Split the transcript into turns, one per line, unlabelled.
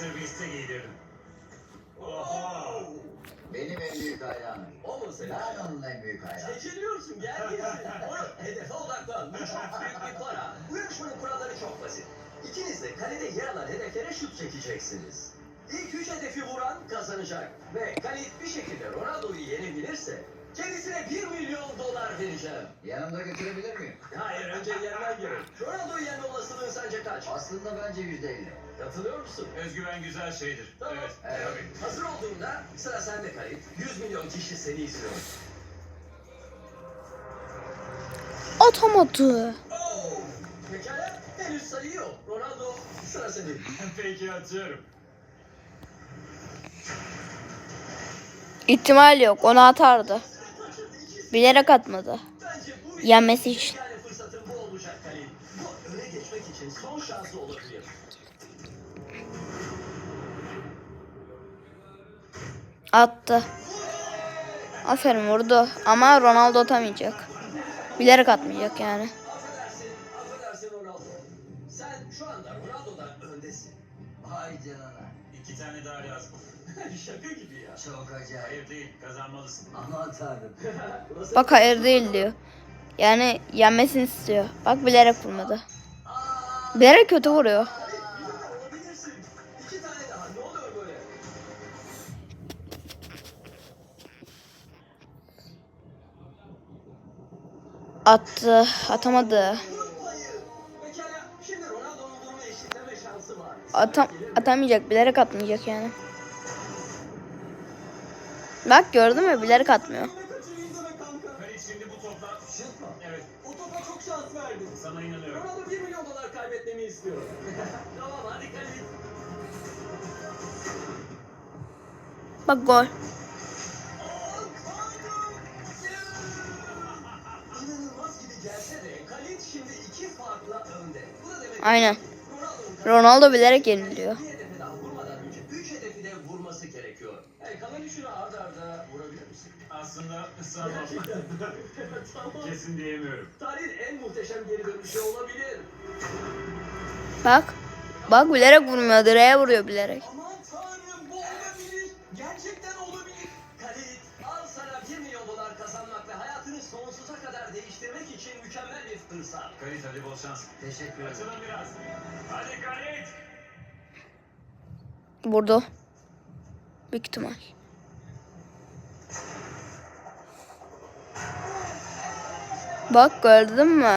Serviste giydirdim. Oho!
Benim en büyük hayranım.
O mu senin?
Ben onun en büyük hayranım.
Çekiliyorsun, gel gitsin. Onu hedefe odaklan. Bu çok büyük bir para. Bu yarışmanın kuralları çok basit. İkiniz de kalede yer alan hedeflere şut çekeceksiniz. İlk 3 hedefi vuran kazanacak. Ve Kalit bir şekilde Ronaldo'yu yenebilirse kendisine $1 milyon vereceğim.
Yanımda götürebilir miyim?
Hayır, önce yenmen gerek. Ronaldo'yu yenme olasılığın sence kaç?
Aslında bence %50.
Katılıyor musun?
Özgüven güzel şeydir.
Tamam.
Evet.
Evet.
Tabii.
Hazır olduğunda sıra sende Kalit. 100 milyon kişi seni izliyor.
Atamadı.
Oh! Pekala, henüz sayı yok. Ronaldo, sıra senin.
Peki atıyorum.
İhtimal yok. Onu atardı. Bilerek atmadı.
Bence bu
Yenmesi için.
yani fırsatın bu olacak Kalit. Bu öne geçmek için son şansı olabilir.
Attı. Aferin vurdu. Ama Ronaldo atamayacak. Bilerek atmayacak yani.
Affedersin Ronaldo. Sen şu anda Ronaldo'dan öndesin.
Vay canına.
2 tane daha lazım.
Şaka gibi ya.
Çok acayip.
Hayır değil. Kazanmalısın.
Aman tanrım.
Burası-
Bak hayır değil diyor. Yani yenmesini istiyor. Bak bilerek vurmadı. Bilerek kötü vuruyor.
Olabilirsin. 2 tane daha. Ne oluyor böyle?
Attı. Atamadı.
Hayır. Pekala. Şimdi Ronaldo'nun durumu eşitleme şansı var.
Atamayacak. Bilerek atmayacak yani. Bak gördün mü? Bilerek atmıyor.
Yine kaçırayım deme kanka.
Kalit şimdi bu topla.
Şut mu?
Evet.
O topa çok şans verdin.
Sana inanıyorum.
Ronaldo $1 milyon kaybetmemi istiyor. Tamam hadi Kalit.
Bak gol.
İnanılmaz gibi gelse de Kalit şimdi 2 farkla önde. Bu da demek
Aynen.
ki Ronaldo'nun
Ronaldo bilerek yeniliyor.
bir hedefi daha vurmadan önce 3 hedefi de vurması gerekiyor. Kalan üçünü arda arda vurabilir misin?
Aslında ısrarım.
Tamam.
Kesin diyemiyorum.
Tarihin en muhteşem geri dönüşü olabilir.
Bak. Bak bilerek vurmuyor. Direğe vuruyor bilerek.
Aman tanrım bu olabilir. Gerçekten olabilir. Kalit al sana $1 milyon kazanmak ve hayatını sonsuza kadar değiştirmek için mükemmel bir fırsat.
Kalit hadi bol şans.
Teşekkür ederim.
Açılın biraz. Hadi Kalit.
Vurdu. Büyük ihtimal. Bak gördün mü?